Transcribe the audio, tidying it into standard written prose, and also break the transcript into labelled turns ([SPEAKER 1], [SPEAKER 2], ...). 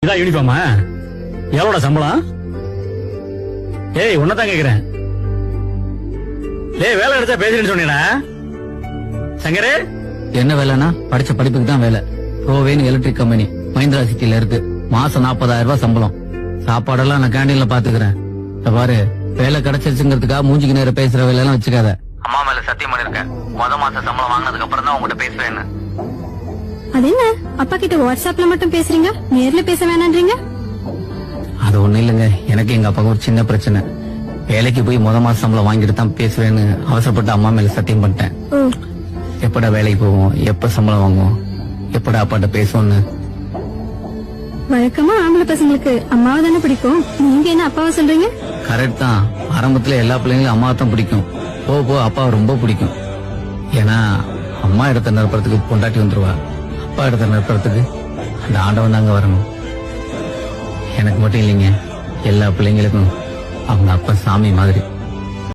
[SPEAKER 1] இதான் யூனிஃபார்மா? எவ்வளோட சம்பளம்? ஏய் உன்னதான் கேக்குறேன். ஏய் வேலை எடுத்தா பேசுறேன்னு சொன்னீடா சங்கரே.
[SPEAKER 2] என்ன வேலைன்னா படிச்ச படிப்புக்கு தான் வேலை. ரோவேன் எலக்ட்ரிக் கம்பெனி மஹிந்திரா சிட்டில இருக்கு. மாசம் 40,000 ரூபாய் சம்பளம். சாப்பாடெல்லாம் நான் கேண்டீன்ல பாத்துக்கிறேன். பாரு, வேலை கிடைச்சிருச்சுங்கிறதுக்காக மூஞ்சிக்கு நேரம் பேசுற வேலை எல்லாம் வச்சுக்காத. அம்மா மேல சத்தியம் பண்ணிருக்கேன், மாசம் சம்பளம் வாங்கினதுக்கு அப்புறம் தான் உங்ககிட்ட பேசுவேன்னு.
[SPEAKER 3] அது என்ன அப்பா கிட்ட வாட்ஸ்அப்ல மட்டும் பேசுறீங்க, நேர்ல பேச வேணான்றீங்க?
[SPEAKER 2] அது ஒண்ணு இல்லைங்க, எனக்கு எங்க அப்பாவுக்கு ஒரு சின்ன பிரச்சனை. வேலைக்கு போய் மாசம் சம்பளம் வாங்கிட்டு தான் பேசுவேன்னு அவசரப்பட்டு அம்மா மேல சத்தியம் பண்ணிட்டேன். எப்படா வேலைக்கு போவோம், எப்ப சம்பளம் வாங்குவோம், எப்படா அப்பாட்ட பேசுவோம்னு.
[SPEAKER 3] வழக்கமா ஆம்பளை பசங்களுக்கு அம்மாவை தானே பிடிக்கும், நீங்க என்ன அப்பாவை சொல்றீங்க?
[SPEAKER 2] கரெக்ட் தான். ஆரம்பத்துல எல்லா பிள்ளைங்களும் அம்மாவை தான் பிடிக்கும். போ அப்பாவை ரொம்ப பிடிக்கும். ஏன்னா அம்மா இடத்த நிரப்புறதுக்கு பொண்டாட்டி வந்துருவா, அப்பா இடத்த நிரப்புறதுக்கு அந்த ஆண்டவன் தாங்க வரணும். எனக்கு மட்டும் இல்லைங்க, எல்லா பிள்ளைங்களுக்கும் அவங்க அப்பா சாமி மாதிரி.